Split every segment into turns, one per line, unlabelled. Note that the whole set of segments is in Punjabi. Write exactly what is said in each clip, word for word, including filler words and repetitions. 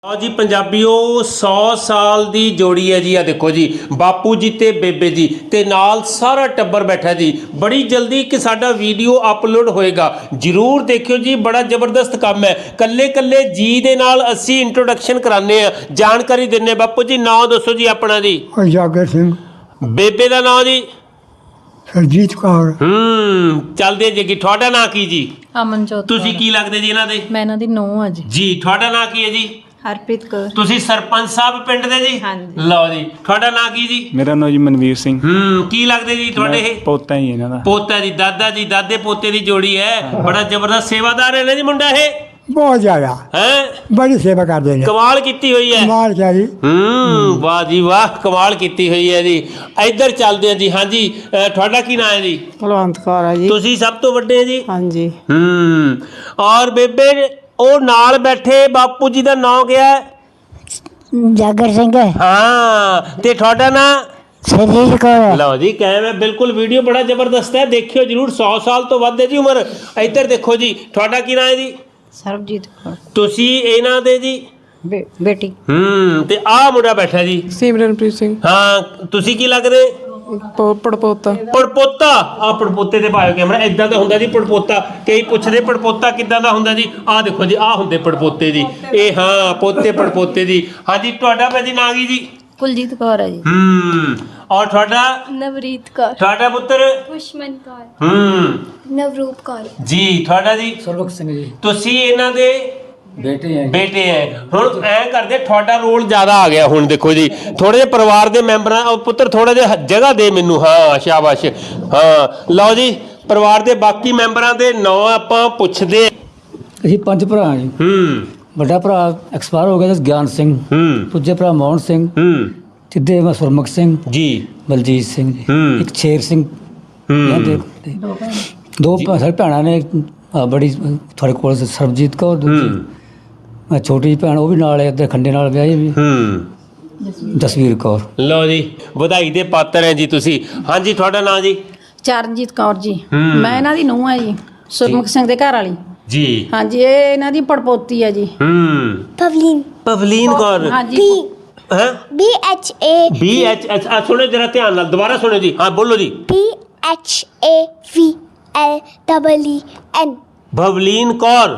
हाँ जी पंजाबियों सौ साल दी जोड़ी है जी। आ देखो जी बापू जी ते बेबे जी ते नाल सारा टब्बर बैठा जी। बड़ी जल्दी कि साडा वीडियो अपलोड होएगा, जरूर देखियो जी। बड़ा जबरदस्त काम है। कल्ले कल्ले जी दे नाल असी इंट्रोडक्शन कराने आ, जानकारी दिन्ने। बापू जी नाम दसो जी अपना जी।
जागर सिंह।
बेबे का नाम जी
सरजीत कौर।
हम्म चलदे जी। तुहाडा नाम की जी?
अमनजोत
तुसी की लगदे जी इन्हां दे?
मैं इन्हां दी नूंह आ जी।
जी तुहाडा नाम की है जी?
हरप्रीत कौर।
ਤੁਸੀਂ ਸਰਪੰਚ ਸਾਹਿਬ ਪਿੰਡ ਦੇ ਜੀ?
ਹਾਂਜੀ।
ਲਓ ਜੀ ਤੁਹਾਡਾ ਨਾਂ ਕੀ ਜੀ?
ਮੇਰਾ ਨਾਮ ਜੀ ਮਨਵੀਰ ਸਿੰਘ।
ਹੂੰ ਕੀ ਲੱਗਦੇ ਜੀ ਤੁਹਾਡੇ
ਮੈਂ
ਇਹ?
ਪੋਤਾ ਹੀ ਇਹਨਾਂ ਦਾ।
ਪੋਤਾ ਜੀ, ਦਾਦਾ ਜੀ, ਦਾਦੇ ਪੋਤੇ ਦੀ ਜੋੜੀ ਹੈ। ਬੜਾ ਜ਼ਬਰਦਸਤ ਸੇਵਾਦਾਰ ਹੈ ਨਾ ਜੀ ਮੁੰਡਾ ਇਹ?
बहुत ज्यादा
ਹੈ
बड़ी सेवा करते हैं।
ਕਮਾਲ ਕੀਤੀ ਹੋਈ ਹੈ।
कमाल क्या जी।
ਹੂੰ ਵਾਹ ਜੀ ਵਾਹ ਕਮਾਲ ਕੀਤੀ ਹੋਈ ਹੈ ਜੀ। ਇੱਧਰ ਚੱਲਦੇ ਹਾਂ ਜੀ। ਹਾਂਜੀ ਅ, ਤੁਹਾਡਾ ਕੀ ਨਾਂ ਹੈ ਜੀ?
ਕੁਲਵੰਤ ਕੌਰ ਹੈ ਜੀ।
ਤੁਸੀਂ ਸਭ ਤੋਂ ਵੱਡੇ ਹੈ ਜੀ?
ਹਾਂਜੀ।
ਹੂੰ ਔਰ ਬੇਬੇ ਉਹ ਨਾਲ ਬੈਠੇ ਬਾਪੂ ਜੀ ਦਾ ਨਾਂ ਕਿਹਾ ਹੈ?
ਜਾਗਰ ਸਿੰਘ
ਹਾਂ ਤੇ ਤੁਹਾਡਾ ਨਾਂ?
ਸਰਜੀਤ ਕੌਰ।
ਲਓ ਜੀ ਕਾਇਮ ਹੈ ਬਿਲਕੁਲ। ਵੀਡੀਓ ਬੜਾ ਜ਼ਬਰਦਸਤ ਹੈ, ਦੇਖਿਓ ਜਰੂਰ। ਸੌ ਸਾਲ ਤੋਂ ਵੱਧ ਹੈ ਜੀ ਉਮਰ। ਇੱਧਰ ਦੇਖੋ ਜੀ ਤੁਹਾਡਾ ਕੀ ਨਾਮ ਹੈ ਜੀ?
ਸਰਬਜੀਤ ਕੌਰ।
ਤੁਸੀਂ ਇਹਨਾਂ ਦੇ ਜੀ?
ਬੇ- ਬੇਟੀ
ਹੂੰ ਤੇ ਆਹ ਮੁੰਡਾ ਬੈਠਾ ਜੀ।
ਸਿਮਰਨਪ੍ਰੀਤ ਸਿੰਘ।
ਹਾਂ ਤੁਸੀਂ ਕੀ ਲੱਗਦੇ?
ਪ- ਪੜਪੋਤਾ।
ਪੜਪੋਤਾ। ਆ ਪੜਪੋਤੇ ਤੇ ਪਾਇਓ ਕੈਮਰਾ। ਇਦਾਂ ਦਾ ਹੁੰਦਾ ਜੀ ਪੜਪੋਤਾ। ਕਈ ਪੁੱਛਦੇ ਪੜਪੋਤਾ ਕਿੱਦਾਂ ਦਾ ਹੁੰਦਾ ਜੀ? ਆਹ ਦੇਖੋ ਜੀ ਆਹ ਹੁੰਦੇ ਪੜਪੋਤੇ ਜੀ। ਇਹ ਹਾਂ ਪੋਤੇ ਪੜਪੋਤੇ ਜੀ। ਹਾਂਜੀ ਤੁਹਾਡਾ ਭਾਜੀ ਨਾਂ ਕੀ ਜੀ?
ਕੁਲਜੀਤ ਕੌਰ ਹੈ ਜੀ।
ਹੂੰ ਔਰ ਤੁਹਾਡਾ?
ਨਵਰੀਤ ਕੌਰ।
ਤੁਹਾਡਾ ਪੁੱਤਰ?
ਪੁਸ਼ਮਨ ਕੌਰ।
ਹੂੰ
ਨਵਰੂਪ ਕੌਰ।
ਜੀ ਤੁਹਾਡਾ ਜੀ?
ਸਰਬਖ ਸਿੰਘ ਜੀ।
ਤੁਸੀਂ ਇਹਨਾਂ ਦੇ
ਬੇਟੇ ਹੈ ਜੀ।
ਬੇਟੇ ਹੈ। ਹੁਣ ਐ ਕਰਦੇ ਤੁਹਾਡਾ ਰੋਲ ਜ਼ਿਆਦਾ ਆ ਗਿਆ ਹੁਣ। ਦੇਖੋ ਜੀ ਥੋੜੇ ਜਿਹੇ ਪਰਿਵਾਰ ਦੇ ਮੈਂਬਰਾਂ ਉਹ ਪੁੱਤਰ ਥੋੜਾ ਜਿਹਾ ਜਗ੍ਹਾ ਦੇ ਮੈਨੂੰ। ਹਾਂ ਸ਼ਾਬਾਸ਼। ਹਾਂ ਲਓ ਜੀ ਪਰਿਵਾਰ ਦੇ ਬਾਕੀ ਮੈਂਬਰਾਂ ਦੇ ਨਾਂ ਆਪਾਂ ਪੁੱਛਦੇ।
ਅਸੀਂ ਪੰਜ ਭਰਾ ਹਾਂ ਜੀ।
ਹੂੰ
ਵੱਡਾ ਭਰਾ ਐਕਸਪਾਇਰ ਹੋ ਗਿਆ ਜੀ, ਗਿਆਨ ਸਿੰਘ।
ਹੂੰ
ਦੂਜੇ ਭਰਾ ਮੋਹਨ ਸਿੰਘ।
ਹੂੰ
ਤਿੱਦੇ ਮੈਂ ਸੁਰਮੁਖ ਸਿੰਘ,
ਜੀ
ਬਲਜੀਤ ਸਿੰਘ ਜੀ।
ਹੂੰ।
ਇੱਕ ਸ਼ੇਰ ਸਿੰਘ।
ਹੂੰ
ਕਹਿੰਦੇ ਤੇ ਦੋ ਭੈ- ਸਾਡੇ ਭੈਣਾਂ ਨੇ। ਆਹ ਬੜੀ ਤੁਹਾਡੇ ਕੋਲ ਸਰਬਜੀਤ ਕੌਰ। ਦੂਜੀ
ਹੂੰ
ਆਹ ਛੋਟੀ ਜਿਹੀ ਭੈਣ ਉਹ ਵੀ ਨਾਲ ਹੈ, ਇੱਧਰ ਖੰਡੇ ਨਾਲ ਵਿਆਹੀ ਵੀ।
ਹੂੰ
ਜਸਵੀਰ ਕੌਰ।
ਲਓ ਜੀ ਵਧਾਈ ਦੇ ਪਾਤਰ ਹੈ ਜੀ ਤੁਸੀਂ। ਹਾਂਜੀ ਤੁਹਾਡਾ ਨਾਂ ਜੀ?
ਚਰਨਜੀਤ ਕੌਰ ਜੀ।
ਹੂੰ।
ਮੈਂ ਇਹਨਾਂ ਦੀ ਨੂੰਹ ਆ ਜੀ, ਸੁਰਮੁਖ ਸਿੰਘ ਦੇ ਘਰ ਵਾਲੀ।
ਜੀ
ਹਾਂਜੀ ਇਹ ਇਹਨਾਂ ਦੀ ਪੜਪੋਤੀ ਹੈ ਜੀ।
ਹੂੰ
ਪਵਲੀਨ।
ਪਵਲੀਨ ਕੌਰ।
ਹਾਂਜੀ
बी
ਹੈ
B H A
B H H ਆ ਸੁਣੋ ਜਰਾ ਧਿਆਨ ਨਾਲ ਦੁਬਾਰਾ ਸੁਣੋ ਜੀ। ਹਾਂ ਬੋਲੋ ਜੀ।
B H A V L double E N.
Bhavleen Kaur.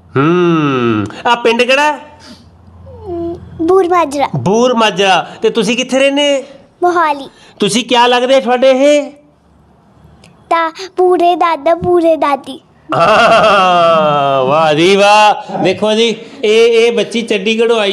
ਹੂੰ ਆ ਪਿੰਡ ਕਿਹੜਾ?
ਬੂਰ ਮਾਜਰਾ
ਬੂਰ ਮਾਜਰਾ। ਤੇ ਤੁਸੀਂ ਕਿੱਥੇ ਰਹਿੰਦੇ?
ਮੋਹਾਲੀ।
ਤੁਸੀਂ ਕੀ ਲੱਗਦੇ ਤੁਹਾਡੇ ਇਹ?
ਤਾਂ ਪੂਰੇ ਦਾਦਾ ਪੂਰੇ ਦਾਦੀ।
ਹਾਂ ਵਾਹ ਜੀ ਵਾਹ। ਦੇਖੋ ਜੀ ਇਹ ਇਹ ਬੱਚੀ ਚੰਡੀਗੜ੍ਹੋਂ ਆਈ।